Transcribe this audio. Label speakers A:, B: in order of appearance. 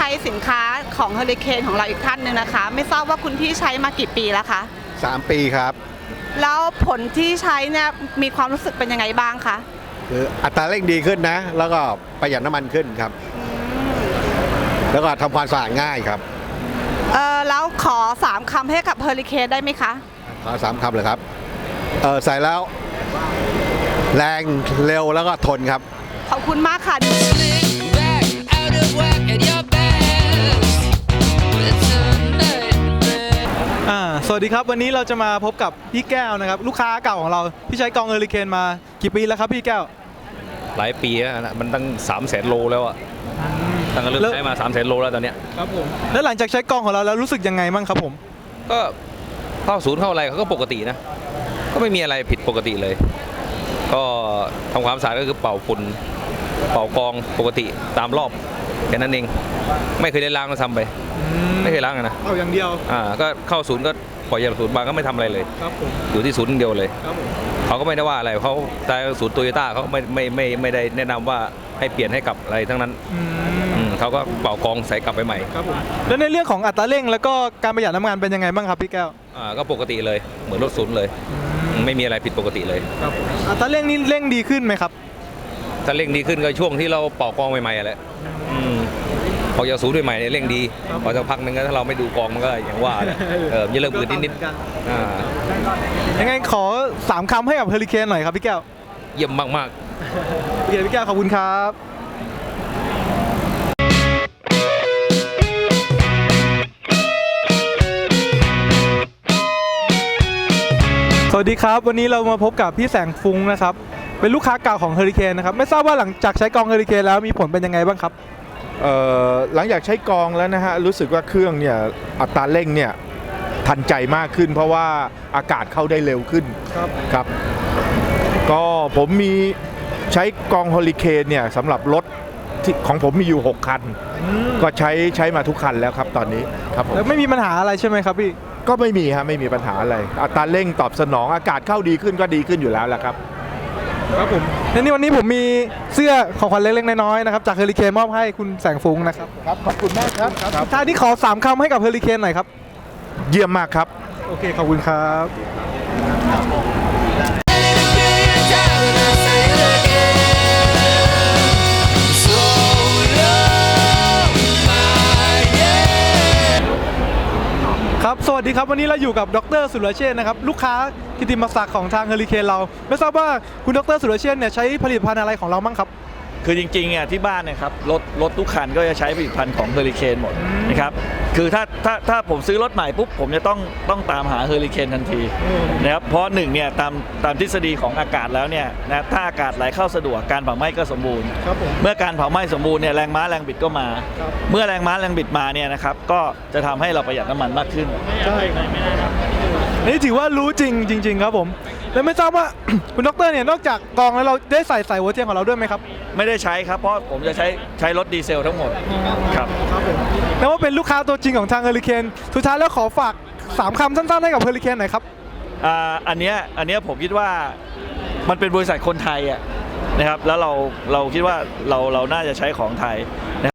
A: ช้สินค้าของเฮอริเคนของเราอีกท่านหนึ่งนะคะไม่ทราบว่าคุณพี่ใช้มากี่ปีแล้วคะ
B: 3 ปีครับ
A: แล้วผลที่ใช้เนี่ยมีความรู้สึกเป็นยังไงบ้างคะ
B: คืออัตราเร่งดีขึ้นนะ แล้วก็ประหยัดน้ำมันขึ้นครับ แล้วก็ทำความสะอาดง่ายครับ
A: แล้วขอ3คำให้กับเฮอริเคนได้ไหมคะ
B: ขอ3 คำเลยครับใส่แล้วแรงเร็วแล้วก็ทนครับ
A: ขอบคุณมากค่ะ
C: Back out of work at your best. It's a nightmare.
D: สวัสดีครับวันนี้เราจะมาพบกับพี่แก้วนะครับลูกค้าเก่าของเราที่ใช้กองเฮอริเคนมากี่ปีแล้วครับพี่แก้ว
E: หลายปีแล้วนะมันตั้ง300,000 โลแล้วอะตั้งแต่เริ่มใช้มา300,000 โลแล้วตอนเนี้ย
D: ครับผมแล้วหลังจากใช้กองของเราแล้วรู้สึกยังไงบ้างครับผม
E: ก็เข้าศูนย์เข้าอะไรเขาก็ปกตินะ ก็ไม่มีอะไรผิดปกติเลย ก็ทำความสะอาดก็คือเป่าฝุ่นเป่ากองปกติตามรอบแค่นั้นเองไม่เคยได้ล้างมาทำไปไม่เคยล้างนะ
D: เอาอย่างเดียว
E: ก็เข้าศูนย์ก็ปล่อยจากศูนย์มาก็ไม่ทำอะไรเลย
D: ครับผม
E: อยู่ที่ศูนย์อย่างเดียวเลย
D: ครับผม
E: เขาก็ไม่ได้ว่าอะไรเขาแต่ศูนย์โตโยต้าเขาไม่ได้แนะนำว่าให้เปลี่ยนให้กับอะไรทั้งนั้นเขาก็เป่ากองใส่กลับไปใหม่
D: ครับผมแล้วในเรื่องของอัตราเร่งแล้วก็การประหยัดน้ำมันเป็นยังไงบ้างครับพี่แก้ว
E: ก็ปกติเลยเหมือนรถศูนย์เลยไม่มีอะไรผิดปกติเลย
D: ครับอัตราเร่งนี่เร่งดีขึ้นไหมครับ
E: ถ้าเร่งดีขึ้นก็ช่วงที่เราเป่ากองใหม่ๆแหละพอจะศูนย์ใหม่ๆเนี่ยเร่งดีพอจะพักนึงก็ถ้าเราไม่ดูกองมันก็อย่างว่าแหละจะเริ่มอืดนิดๆ
D: ยังไงขอ3คำให้กับเฮอริเคนหน่อยครับพี่แก้ว
E: เยี่ยมมาก
D: โอเคพี่แก้วขอบคุณครับสวัสดีครับวันนี้เรามาพบกับพี่แสงฟุ้งนะครับเป็นลูกค้าเก่าของเฮอริเคนนะครับไม่ทราบว่าหลังจากใช้กองเฮอริเคนแล้วมีผลเป็นยังไงบ้างครับ
F: หลังจากใช้กองแล้วนะฮะรู้สึกว่าเครื่องเนี่ยอัตราเร่งเนี่ยทันใจมากขึ้น เพราะว่าอากาศเข้าได้เร็วขึ้นครับก็ผมมีใช้กองเฮอริเคนเนี่ยสำหรับรถที่ของผมมีอยู่6 คันก็ใช้มาทุกคันแล้วครับตอนนี้ครับผม
D: แล้วไม่มีปัญหาอะไรใช่ไหมครับพี่
F: ก็ไม่มีฮะไม่มีปัญหาอะไรอัตราเร่งตอบสนองอากาศเข้าดีขึ้นก็ดีขึ้นอยู่แล้วแหละครับ
D: ครับผมและนี่วันนี้ผมมีเสื้อของขวัญเล็กๆน้อยๆนะครับจากเฮอริเคนมอบให้คุณแสงฟุ้งนะครับ
F: ครับขอบคุณมากครับ
D: ท้ายที่ขอ3คำให้กับเฮอริเคนหน่อยครับ
F: เยี่ยมมากครับ
D: โอเคขอบคุณครับ
C: So long, my yeah.
D: ครับสวัสดีครับวันนี้เราอยู่กับดรสุรเชษฐ์นะครับลูกค้ากิตติมศักดิ์ของทางเฮอริเคนเราไม่ทราบว่าคุณดรสุรเชษฐ์เนี่ยใช้ผลิตภัณฑ์อะไรของเราบ้างครับ
G: คือจริงๆที่บ้านเนี่ยครับรถทุกคันก็จะใช้ผลิตภัณฑ์ของเฮอริเคนหมดนะครับคือถ้าผมซื้อรถใหม่ปุ๊บผมจะต้องตามหาเฮอริเคนทันทีนะครับเพราะหนึ่งเนี่ยตามทฤษฎีของอากาศแล้วเนี่ยนะถ้าอากาศไหลเข้าสะดวกการเผาไหม้ก็สมบูรณ์เมื่อการเผาไหม้สมบูรณ์เนี่ยแรงม้าแรงบิดก็มา เมื่อแรงม้าแรงบิดมาเนี่ยนะครับก็จะทำให้เราประหยัดน้ำมันมากขึ้น
D: นี่ถือว่ารู้จริงๆครับผมแล้วไม่ทราบว่า คุณดรเนี่ยนอกจากกองแล้วเราได้ใส่หัวเทียนของเราด้วยไหมครับ
G: ไม่ได้ใช้ครับเพราะผมจะใช้รถดีเซลทั้งหมดครับ
D: แล้วว่าเป็นลูกค้าตัวจริงของทางเฮอริเคนสุดท้ายแล้วขอฝาก3คำสั้นๆให้กับเฮอริเคนหน่อยครับ
G: อันเนี้ยผมคิดว่ามันเป็นบริษัทคนไทยนะครับแล้วเราคิดว่าเราน่าจะใช้ของไทย